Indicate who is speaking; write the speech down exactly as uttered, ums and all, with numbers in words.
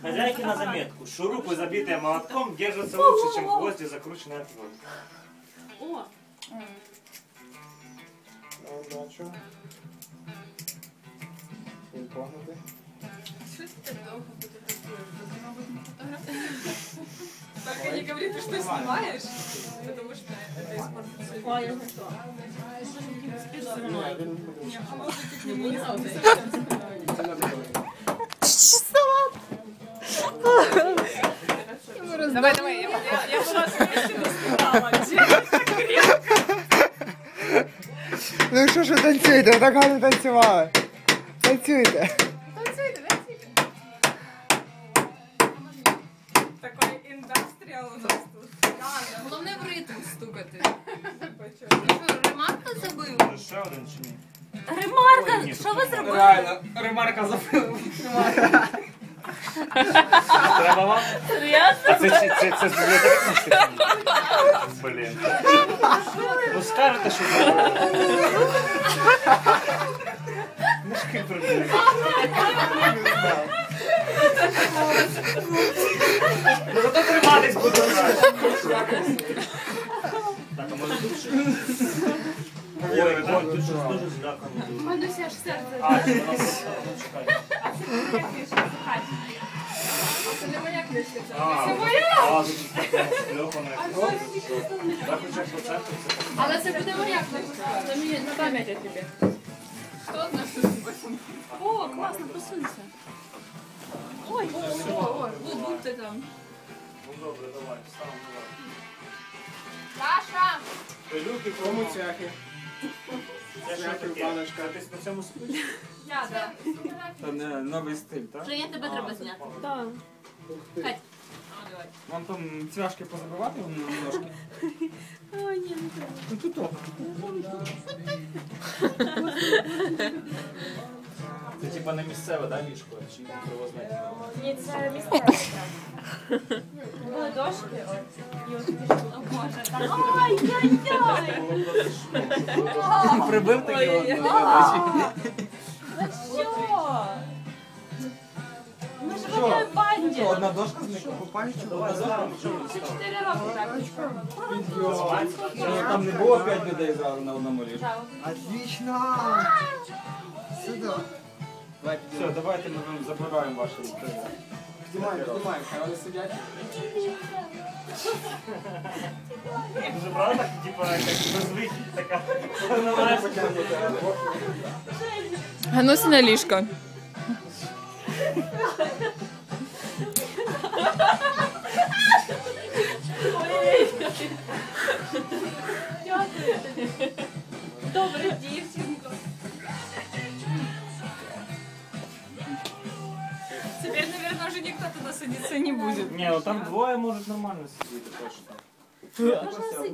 Speaker 1: Хозяйки на заметку. Шурупы, забитые молотком, держатся лучше, чем гвозди, закрученные от воды.
Speaker 2: О!
Speaker 3: Удачу. Погнути.
Speaker 4: Что ты так долго фотографируешь? Ты, мабуть, не фотографируешь. Только не говори, ты что снимаешь, потому что это испортится.
Speaker 2: О, я знаю что.
Speaker 4: Не, а может ты не будешь Давай, давай, я, я, я была смещена, снимала.
Speaker 3: Ну що ж ви танцюєте? Ви так гарно танцювали. Танцюйте.
Speaker 4: Танцуйте, танцуйте. Такой індастріал у нас тут.
Speaker 5: Головне в ритм стукати.
Speaker 4: Почему?
Speaker 5: Ти що, ремарка забив?
Speaker 1: Ще один чи ні?
Speaker 5: Ремарка! Що ви зробили?
Speaker 6: Реально, ремарка забив.
Speaker 1: Треба вам?
Speaker 2: Серйозно?
Speaker 1: А це, це, це, це з бібліотеки? Блін. Ну скажете, що мішки прибили. Ну зато триматись буду. Так, а може тут ще? Ой, ой, тут щось дуже злякано.
Speaker 5: Мануся аж серце.
Speaker 1: А, це у нас, ну чекай.
Speaker 4: Це не моя книжка, це
Speaker 1: А,
Speaker 4: це моя.
Speaker 1: а, тут така скльопана. Так, хоча по центру це так.
Speaker 5: Але це буде моя книжка.
Speaker 2: Це мені на пам'ять я тобі.
Speaker 4: Хто знає, що це?
Speaker 2: О, класно, посунься. Ой, о, о, о, будьте там.
Speaker 1: Ну добре, давай, ставимо давай.
Speaker 5: Саша!
Speaker 1: Пилюки,
Speaker 3: Кому
Speaker 1: кому
Speaker 3: цяхи?
Speaker 1: це що таке?
Speaker 3: баночка.
Speaker 1: Це ти на цьому спиш?
Speaker 5: Я, да.
Speaker 6: Це не новий стиль, так?
Speaker 5: Женя, тебе треба зняти.
Speaker 2: Так.
Speaker 5: Кать.
Speaker 6: Вам там цвяшки позабивати на ножки?
Speaker 2: Ой, ні, не треба.
Speaker 6: Ну тут оп.
Speaker 1: Це типа не місцеве, да, ліжко? Чи привозне?
Speaker 2: Ні, це місцеве. Були дошки, от. І от пішли. О, Боже, так. Ай-яй-яй!
Speaker 6: Прибив такі от.
Speaker 2: За що? Ми ж в одній банді.
Speaker 6: Що, одна дошка зникла по пам'яті? Одна дошка?
Speaker 2: Це чотири роки так.
Speaker 6: Що, там не було п'ять людей зразу на одному ліжку?
Speaker 3: Отлично! Сюди.
Speaker 6: Все, давайте ми вам забираємо ваші ліжки.
Speaker 3: Знімаємо, знімаємо, хай вони сидять.
Speaker 1: Дуже правда, так, типа, як безвихідь така.
Speaker 4: Гануся на ліжко.
Speaker 2: Дякую тобі. Добре, дівчинко.
Speaker 4: Теперь, наверное, уже никто туда садиться не будет.
Speaker 1: Ні, ну там двоє можуть нормально сидіти точно.
Speaker 2: Можна